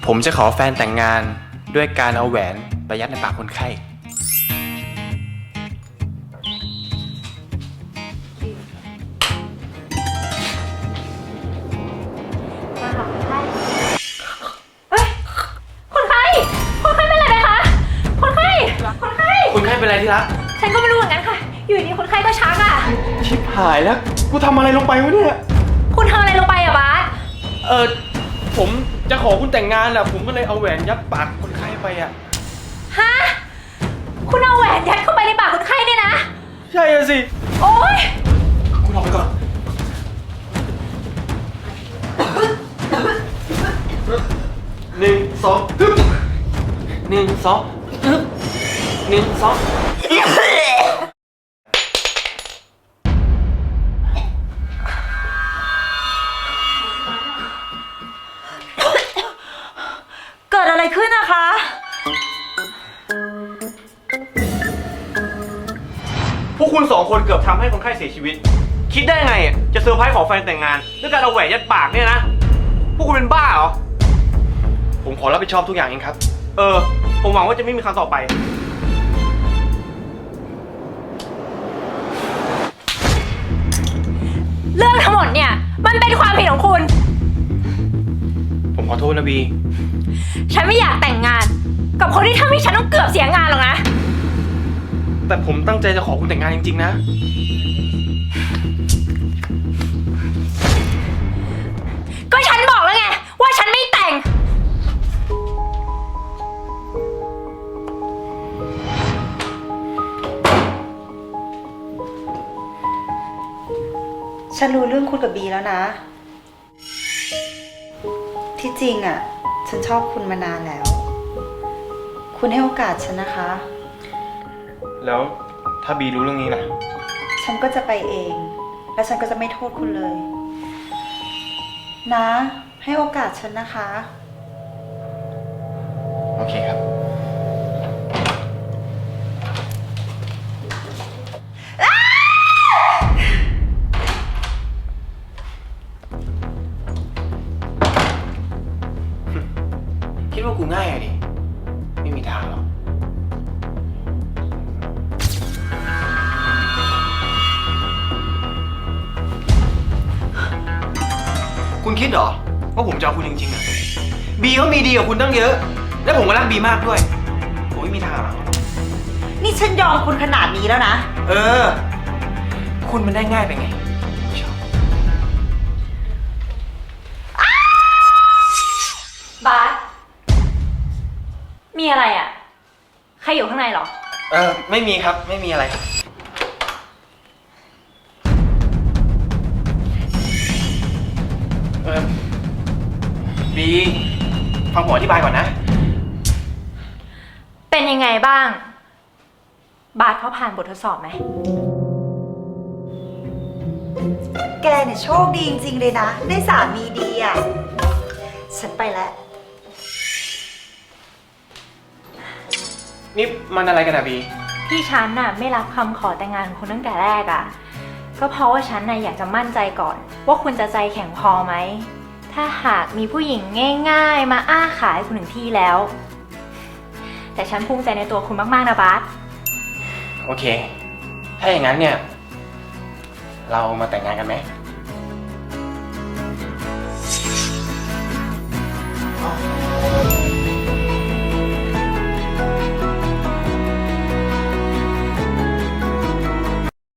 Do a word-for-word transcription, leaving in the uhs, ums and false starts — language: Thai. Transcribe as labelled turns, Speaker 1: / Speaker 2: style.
Speaker 1: ผมจะขอแฟนแต่งงานด้วยการเอาแหวนไปยัดในปากคนไข้
Speaker 2: เฮ้ยคนไข้คนไข้เป็นอะไรไหมคะคนไข้คนไข้
Speaker 1: คนไข้เป็นอะไรที่รัก
Speaker 2: ฉันก็ไม่รู้เหมือนกันค่ะ อยู่ดีคนไข้ก็ชักอ่ะ
Speaker 1: ชิบหายแล้ว กูทำอะไรลงไปวะเนี่ย
Speaker 2: คุณทำอะไรลงไปอะบาส
Speaker 1: เออผมจะขอคุณแต่งงานอะผมก็เลยเอาแหวนยัดปากคนไข้ไปอะ
Speaker 2: ฮะ คุณเอาแหวนยัดเข้าไปในปากคนไข้เนี่ยนะ
Speaker 1: ใช่อะสิ
Speaker 2: โอ๊ย
Speaker 1: คุณออกไปก่อนหนึ่งสองฮึบหนึ่งสองฮึบหนึ่งสอง
Speaker 2: เกิดอะไรขึ้นนะคะ
Speaker 3: พวกคุณสองคนเกือบทำให้คนไข้เสียชีวิต คิดได้ไงอ่ะจะเซอร์ไพรส์ขอแฟนแต่งงานด้วยการเอาแหวนยัดปากเนี่ยนะ พวกคุณเป็นบ้าเหรอ
Speaker 1: ผมขอรับผิดชอบทุกอย่างเองครับ
Speaker 3: เออ ผมหวังว่าจะไม่มีครั้งต่อไป
Speaker 2: เรื่องทั้งหมดเนี่ย มันเป็นความผิดของคุณ
Speaker 1: ผมขอโทษนะบี
Speaker 2: ฉันไม่อยากแต่งงาน กับคนที่ทำให้ฉันต้องเกือบเสียงานหรอกนะ
Speaker 1: แต่ผมตั้งใจจะขอคุณแต่งงานจริงๆนะ
Speaker 2: ก็ฉันบอกแล้วไง ว่าฉันไม่แต่ง
Speaker 4: ฉันรู้เรื่องคุณกับบีแล้วนะ ที่จริงอ่ะ ฉันชอบคุณมานานแล้ว คุณให้โอกาสฉันนะคะ
Speaker 1: แล้วถ้าบีรู้เรื่องนี้ล่ะ
Speaker 4: ฉันก็จะไปเอง และฉันก็จะไม่โทษคุณเลย นะ ให้โอกาสฉันนะคะ
Speaker 1: โอเคครับ คิดว่ากูง่ายอะดิ ไม่มีทางหรอก คุณคิดเหรอ ว่าผมจะเอาคุณจริงๆอะบีเขามีดีกว่าคุณตั้งเยอะ และผมก็รักบีมากด้วย ผมไม่มีทางหรอก
Speaker 4: นี่ฉันยอมคุณขนาดนี้แล้วนะ
Speaker 1: เออ คุณมันได้ง่ายไปไงชอบบ
Speaker 2: าสมีอะไรอ่ะ ใครอยู่ข้างในเหรอ
Speaker 1: เออ ไม่มีครับ ไม่มีอะไรครับ เออบีฟังผมอธิบายก่อนนะ
Speaker 2: เป็นยังไงบ้าง บาสเขาผ่านบททดสอบไหม
Speaker 4: แกเนี่ยโชคดีจริงๆเลยนะ ได้สามีดีอ่ะ ฉันไปแล้ว
Speaker 1: นี่มันอะไรกันอะบี
Speaker 2: ที่ฉันน่ะไม่รับคำขอแต่งงานของคุณตั้งแต่แรกอ่ะ ก็เพราะว่าฉันน่ะอยากจะมั่นใจก่อน ว่าคุณจะใจแข็งพอไหม ถ้าหากมีผู้หญิงง่ายๆ มาอ้าขายคุณถึงที่แล้ว แต่ฉันภูมิใจในตัวคุณมากๆนะบาส
Speaker 1: โอเค ถ้าอย่างนั้นเนี่ย เรามาแต่งงานกันไหม